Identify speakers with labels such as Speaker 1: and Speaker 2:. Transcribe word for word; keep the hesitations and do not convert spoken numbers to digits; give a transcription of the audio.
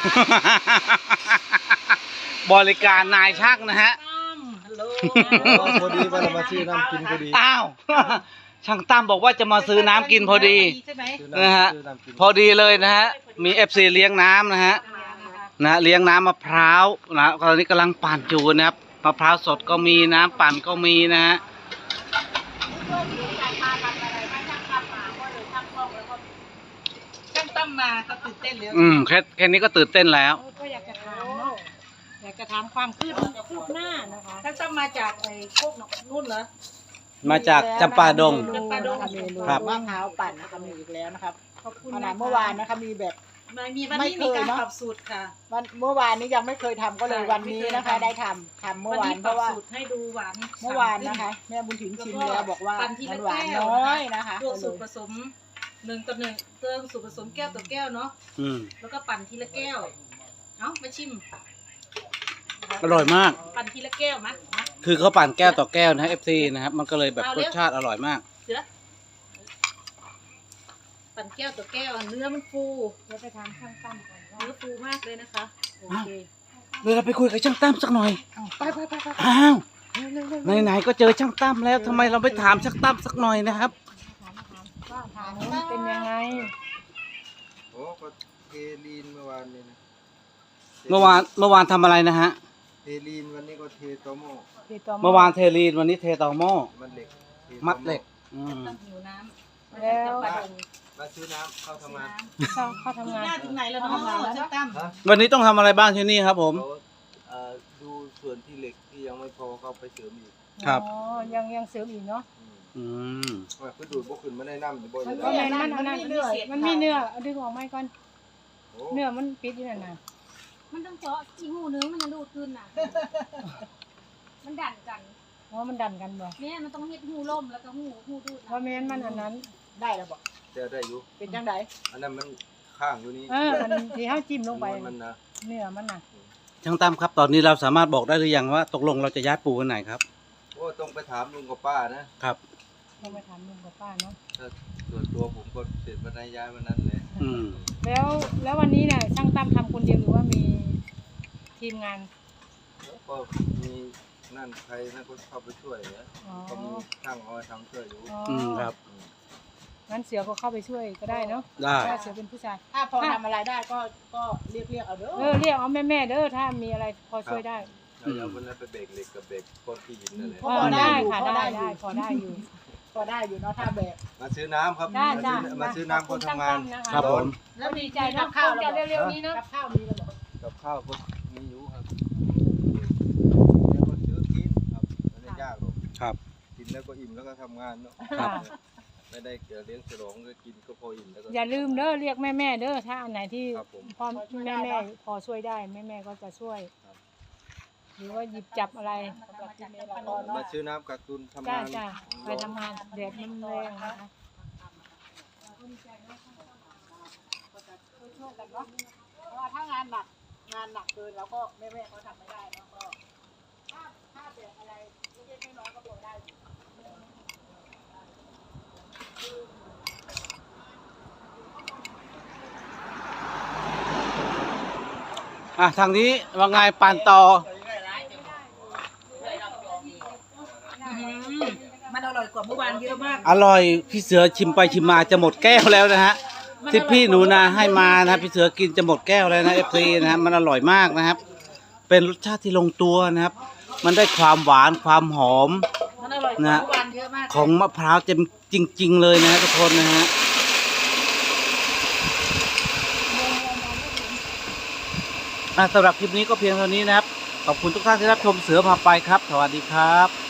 Speaker 1: บริการนายช่างนะฮะ
Speaker 2: พอดีว่าเรามาซื้อน้ำกินพอดี
Speaker 1: อ้าวช่างตั้มบอกว่าจะมาซื้อน้ำกินพอดีนะฮะพอดีเลยนะฮะมีเอฟซีเลี้ยงน้ำนะฮะนะเลี้ยงน้ำมะพร้าวนะตอนนี้กำลังปั่นอยู่นะครับมะพร้าวสดก็มีน้ำปั่นก็มีนะฮะ
Speaker 3: ช่างตั้มมาก็ตื่นเต้นแล้ว
Speaker 1: อืมแค่แค่นี้ก็ตื่นเต้นแล้ว
Speaker 4: ก็อยากจะถามเนาะอยากจะถามความคืบคืบหน้านะคะ
Speaker 3: ช่างตั้มมาจากไอ้โคกนู่นเหรอ
Speaker 1: มาจากจำปาดง
Speaker 4: จำปาดง
Speaker 1: ครับ
Speaker 4: มะพร้าวปั่นนะคะมีอีกแล้วนะครับขนาดเมื่อวานนะคะมีแบบ
Speaker 3: ไม่มีวันนี้มีการปรับสูตรค่ะ
Speaker 4: วันเมื่อวานนี้ยังไม่เคยทำก็เลยวันนี้นะคะ ได้ทำทำเมื่อวานเพราะว่า
Speaker 3: สูตรให้ดูหวาน
Speaker 4: เมื่อวานนะคะแม่บุญถิ่นชิมแล้วบอกว่ามันหวานน้อยนะคะ
Speaker 3: ตัวสูตรผสมหนึ่งต่อหนึ่งเติมสูตรผสมแก้วต่อแก้วเนาะ
Speaker 1: อืม
Speaker 3: แล้วก็ปั่นทีละแก้วเอ้ามาชิม
Speaker 1: อร่อยมาก
Speaker 3: ปั่นทีละแก้วมะมา
Speaker 1: คือเขาปั่นแก้วต่อแก้วนะเอฟซีนะครับมันก็เลยแบบรสชาติอร่อยมาก
Speaker 3: เสือปั่นแก้วต่อแก้วเนื้อมันฟู
Speaker 4: เดี๋ยวไปทำข้างตั้มก่อนว่า
Speaker 3: เนื้อฟูมากเลยนะคะโอเค
Speaker 1: เดี๋ยวเราไปคุยกับช่างตั้มสักหน่อย
Speaker 4: ไปไปไปไป
Speaker 1: อ้าวไหนๆก็เจอช่างตั้มแล้วทำไมเราไม่ถามช่างตั้มสักหน่อยนะครับ
Speaker 4: ว่าถามว่าเป็นยังไง
Speaker 2: โอ้ก็เทลีนเมื่อวานนี้นะ
Speaker 1: เมื่อวานเมื่อวานทำอะไรนะฮะ
Speaker 2: เทลีนวันนี้ก็เทโตโม่
Speaker 1: เมื่อวานเทลีนวันนี้เทตอหม้อ
Speaker 2: มันเหล็กทโตโ
Speaker 1: มัดเหล็กอืม
Speaker 3: ตั้งหิวน้ำ
Speaker 4: แล้ว
Speaker 3: ปั่น
Speaker 2: มาซื้อน้ำเข้าทำงาน
Speaker 4: เข้าเข้า
Speaker 3: คื
Speaker 4: ทำ
Speaker 3: บ
Speaker 4: งาน
Speaker 3: หน้าถึงไหนแล้วเนาะช่างตั้ม
Speaker 2: ฮะ
Speaker 1: วันนี้ต้องทำอะไรบ้างที่นี่ครับผม
Speaker 2: เขาเอ่อดูส่วนที่เหล็กที่ยังไม่พอเขาไปเสริมอีก
Speaker 1: ครับ
Speaker 4: อ๋อยังยังเสริมอีกเนาะ
Speaker 2: อืม
Speaker 1: อืม
Speaker 2: ว่าคือดูดพวกขึ้นมาได้น้ำบ่อย
Speaker 4: มัน
Speaker 2: เล
Speaker 4: ก็
Speaker 2: ย
Speaker 4: แม่นมันอันนั้นมันมีเนื้อเอาดึงออกไหมก่อน
Speaker 2: โอ้
Speaker 4: เนื้อมันปิดอยู่นั่นน่ะ
Speaker 5: มันต้องเจาะอีหูนึงมันจะดูดขึ้นน่ะ มันดันกัน
Speaker 4: เพราะมันดันกันบ่
Speaker 5: แม่มันต้องเฮ็ดหูล่มแล้วก็หูหูดูด
Speaker 4: เพราะแม่นมันอันนั้นได้แล้วบ่
Speaker 2: แต่ได้อยู่
Speaker 4: เป็นจังได
Speaker 2: อันนั้นมันข้างอยู่นี่
Speaker 4: เอออันที่เฮาจิ้มลงไป
Speaker 2: มันนะ
Speaker 4: เนื้อมันน่ะ
Speaker 1: ช่างตั้มครับตอนนี้เราสามารถบอกได้หรือยังว่าตกลงเราจะย้ายปูวันไหนครับ
Speaker 2: โอ้ต้องไปถามลุงกับป้านะครับ
Speaker 4: ต้องไปถามลุงกับป้าเนาะ
Speaker 2: ถ้าส่วนตัวผมก็เสร็จวันไหนย้ายวันนั้นเลย
Speaker 1: อืม
Speaker 4: แล้วแล้ววันนี้เนี่ยช่างตั้มทำคนเดียวหรือว่ามีทีมงาน
Speaker 2: แล้วก็มีนั่นใครนั่นก็เข้าไปช่วยนะ
Speaker 4: อ๋อ
Speaker 2: ก็มีช่างเอามาทำช่วยอยู่
Speaker 4: อ๋อ
Speaker 1: อืมครับ
Speaker 4: งั้นเสือก็เข้าไปช่วยก็ได้เนาะ
Speaker 1: ได้
Speaker 4: ถ้าเสือเป็นผู้ชาย
Speaker 3: ถ้าพอทำอะไรได้ก็ก็เรียกเรียกเอาเด้อ
Speaker 4: เออเรียกเอาแม่แม่ๆเด้อถ้ามีอะไรพอช่วยได้
Speaker 2: แล้วเดี๋ยววันนั้นไปเบรกเหล็กกับเบรกก้อนที่หินนั่นแหละ
Speaker 4: เออได้ค่ะได้ได้พอได้อยู่
Speaker 3: พอได้อยู่เนาะถ้าแบบ
Speaker 2: มาซื้อน้ำครับ
Speaker 4: ได้
Speaker 2: มา
Speaker 4: จ้า
Speaker 2: ซื้อมาซื้อน้ำคนทำงาน
Speaker 1: ครับผม
Speaker 4: แล้วดีใจเนาะคงจะเร็วๆนี้เนาะ
Speaker 3: กับข้าวมีแล้วบอก
Speaker 2: กับข้าวก็มีอยู่ครับแล้วก็ซื้อกินครับไม่ได้ยากหรอก
Speaker 1: ครับ
Speaker 2: กินแล้วก็อิ่มแล้วก็ทำงานเนาะ
Speaker 1: ครับ
Speaker 2: ไม่ได้เกี่ยวเลี้ยงฉลองก็กินก็พออิ่มแล้วก็
Speaker 4: อย่าลืมเด้อเรียกแม่แม่ๆเด้อถ้าอันไหนที่
Speaker 2: ครับผม
Speaker 4: พ่อแม่แม่ๆพอช่วยได้แม่แม่ๆก็จะช่วย หรือว่าหยิบจับอะไร
Speaker 2: มาซื้อน้ำกักตุนทำ
Speaker 4: จ้าง
Speaker 2: าน
Speaker 4: จ้าไปทำงานแดดมันแรงนะคะ
Speaker 3: ช่วยกันเนาะเพราะว่าถ้างานหนักงานหนักเกินแล้วก็แม่แม่เขาทำไม่ได้แล้วก็ถ้าถ้าแบบอะไรเล็กๆน้อยๆก็พอได้
Speaker 1: อ่ะทางนี้ว่าไงปั่นต่อ
Speaker 3: มันอร่อยกว่าเมื่อวานเยอะมาก
Speaker 1: อร่อยพี่เสือชิมไปชิมมาจะหมดแก้วแล้วนะฮะที่พี่หนูนาให้มานะพี่เสือกินจะหมดแก้วแล้วนะเอฟซีนะฮะมันอร่อยมากนะครับ เป็นรสชาติที่ลงตัวนะครับ มันได้ความหวานความหอม
Speaker 3: มันอร่อยกว่าเมื่อวานเยอะมาก
Speaker 1: ของมะพร้าวจริง ๆ เลยนะฮะทุกคนนะฮะอ่ะสำหรับคลิปนี้ก็เพียงเท่านี้นะครับขอบคุณทุกท่านที่รับชมเสือพาไปครับสวัสดีครับ